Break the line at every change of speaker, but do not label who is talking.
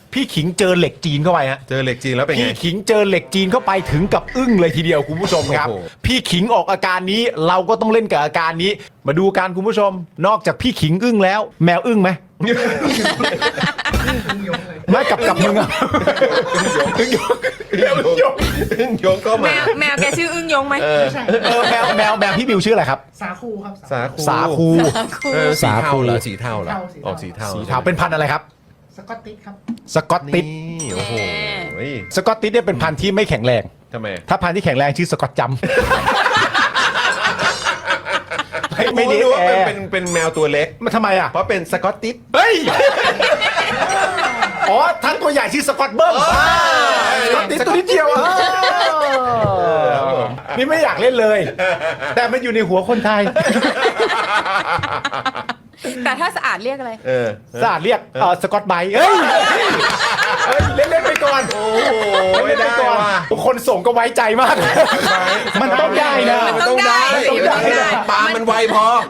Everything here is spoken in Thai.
พี่ขิงเจอเหล็กจีนเข้าไปฮะ
เจอเหล็กจีนแล้วเป็นไง
พี่ขิงเจอเหล็กจีนเข้าไปถึงกับอึ้งเลยทีเดียวคุณผู้ชมครับ
โอ้โห
พี่ขิงออกอาการนี้เราก็ต้องเล่นกับอาการนี้ มาดูการคุณผู้ชม นอกจากพี่ขิงอึ้งแล้ว แมวอึ้งไหมไม่กับมึงอะอึ้งยง
อึ้งยงก็
แม
มาว
แมวแกชื่ออึ้งยงไหม
แมวพี่บิวชื่ออะไรครับ
สาคูครับ
สาคู
สาคู
สีเทาเหรอออกสีเทา
สีเทาเป็นพันธุ์อะไรครับ
สกอตติชครับ
สกอตติช
นี่โอ้โห
สกอตติชเนี่ยเป็นพันธุ์ที่ไม่แข็งแรง
ทำไม
ถ้าพันธุ์ที่แข็งแรงชื่อสกอตจัมป์ ไม่ดี
รู้ว่า
แอร์
เป็นแมวตัวเล็ก
มันทำไมอ่ะ
เพราะเป็นสกอตติช
เฮ้ย อ๋อทั้งตัวใหญ่ชื่อสกอตเบิ้มสกอตติชตัวนิดเดียวอ่ะนี่ไม่อยากเล่นเลย แต่มันอยู่ในหัวคนไทย
แต่ถ้าสะอาดเรียกอะไร
สะอาดเรียกสกอตไบท์เฮ้ยเล่นไปก่อน
โอ้โห
เล่นไปก่อนคนส่งก็ไว้ใจมาก มันต้องได้นะ
มันต้องได้
ปลามันไวพอ